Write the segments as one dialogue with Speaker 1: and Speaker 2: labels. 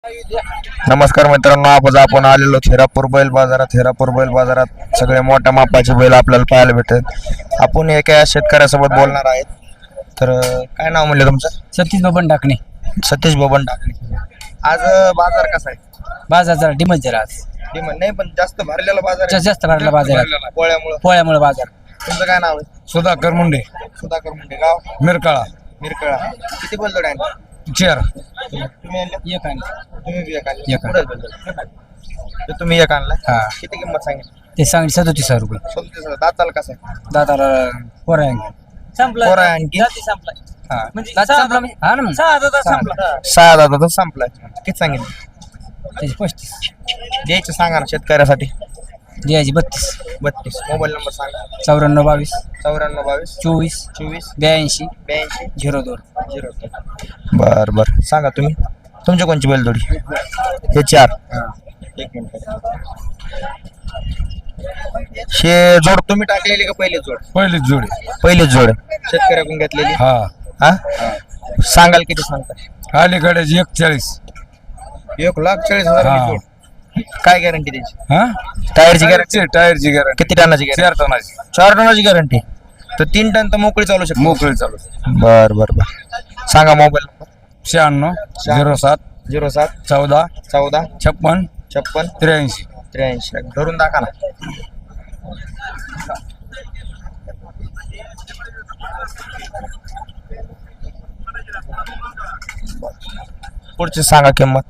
Speaker 1: नमस्कार मित्रांनो, आपण आलेलो थेरापूर बैल बाजारात सगळे मोठ्या मापाचे बैल आपल्याला पाहायला भेटतात. आपण एका शेतकऱ्यासोबत बोलणार आहेत. तर काय नाव म्हणले तुमचं?
Speaker 2: सतीश बबन टाकणे.
Speaker 1: सतीश बबन टाकणे. आज बाजार कसा आहे?
Speaker 2: बाजार जरा डिमच जरा आज
Speaker 1: डिमांड नाही, पण जास्त भरलेला बाजार आहे.
Speaker 2: जास्त भरला बाजार पोळ्यामुळे बाजार.
Speaker 1: तुमचं काय नाव आहे?
Speaker 3: सुधाकर मुंडे,
Speaker 1: सुधाकर मुंडे. गाव
Speaker 3: मिरकाळा.
Speaker 1: मिरकळा. किती बैलजोड आहे?
Speaker 3: चेअर.
Speaker 1: तुम्ही आणले?
Speaker 2: एक आणि
Speaker 1: तुम्ही बी एक आणले?
Speaker 2: एक.
Speaker 1: कुठं बैलजोड? ते तुम्ही एक आणलाय?
Speaker 2: हा.
Speaker 1: किती किंमत सांगितली?
Speaker 2: ते सांगली 37,000 रुपये.
Speaker 1: 37,000. दाताला कसं आहे?
Speaker 2: दाताला पोरा
Speaker 1: पोरं आहे आणखी?
Speaker 2: हा संपला म्हणजे हा ना मग.
Speaker 1: सहा दादा संपलाय. किती सांगितलं?
Speaker 2: त्याची 35
Speaker 1: द्यायचं सांगा ना शेतकऱ्यासाठी.
Speaker 2: द्यायची 32
Speaker 1: 32. मोबाईल नंबर सांगा.
Speaker 2: 94 22
Speaker 1: 94 22
Speaker 2: 24
Speaker 1: 24
Speaker 2: 82
Speaker 1: 82
Speaker 2: 02.
Speaker 1: 02. बर सांगा तुम्ही. तुमची कोणची बैलजोडी? हे 4. एक मिनिट. हे जोड तुम्ही टाकलेली का पहिली जोड?
Speaker 3: पहिलीच जोडी.
Speaker 1: पहिलीच जोड शेतकऱ्याकडून घेतलेली.
Speaker 3: हा.
Speaker 1: हा सांगाल किती सांगता?
Speaker 3: अलीकडे 41.
Speaker 1: 1,40,000
Speaker 3: हा.
Speaker 1: जोड. काय गॅरंटी त्याची?
Speaker 3: हा
Speaker 1: टायरची गॅरंटी?
Speaker 3: टायरची गॅरंटी
Speaker 1: किती टनाची गॅरंटी?
Speaker 3: 4 टनाची.
Speaker 1: 4 टनाची गॅरंटी. तर 3 टन तर मोकळी चालू शकते.
Speaker 3: मोकळी चालू.
Speaker 1: बर सांगा मोबाईल नंबर.
Speaker 3: 96 07
Speaker 1: 07
Speaker 3: 14
Speaker 1: 14
Speaker 3: 56
Speaker 1: 56
Speaker 3: 83.
Speaker 1: 83. धरून दाखवा ना. पुढची सांगा किंमत.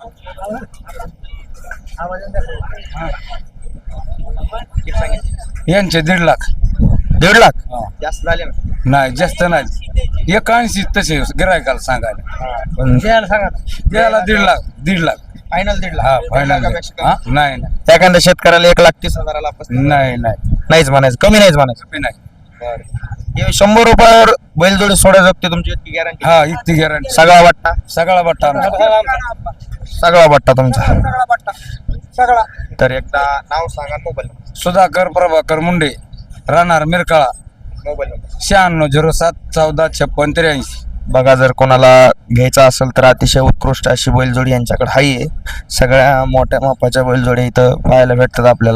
Speaker 3: यांचे 1.5 लाख.
Speaker 1: 1.5 लाख जास्त झाले ना.
Speaker 3: नाही जास्त नाही. 81 तसे गिरायकाला सांगायला.
Speaker 1: पण
Speaker 3: द्यायला 1.5 लाख. 1.5 लाख.
Speaker 1: फायनल 1.5
Speaker 3: हा
Speaker 1: लाख.
Speaker 3: फायनल. हा नाही नाही
Speaker 1: एखाद्या शेतकऱ्याला 1,30,000 पसंत
Speaker 3: नाही नाही
Speaker 1: नाहीच म्हणायचं, कमी नाहीच म्हणायचं.
Speaker 3: कमी नाही.
Speaker 1: हे 100 रुपयावर बैलजोडी सोडा जगते तुमची इतकी गॅरंटी?
Speaker 3: हा इतकी गॅरंटी.
Speaker 1: सगळा वाटता?
Speaker 3: सगळा बट्टा आमचा.
Speaker 1: सगळा वाटता तुमचा. तर एकदा नाव सांगा, मोबाईल नंबर.
Speaker 3: सुधाकर प्रभाकर मुंडे, राहणार मिरकाळा.
Speaker 1: Mobile number.
Speaker 3: 96 07 14 56 83.
Speaker 1: बघा, जर कोणाला घ्यायचा असेल तर अतिशय उत्कृष्ट अशी बैलजोडी यांच्याकडे आहे. सगळ्या मोठ्या मापाच्या बैलजोडी इथं पाहायला भेटतात आपल्याला.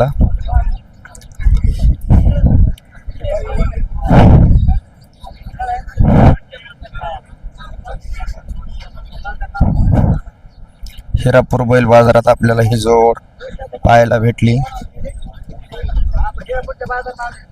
Speaker 1: हिरापूर बैल बाजारात आपल्याला ही जोड पाहायला भेटली.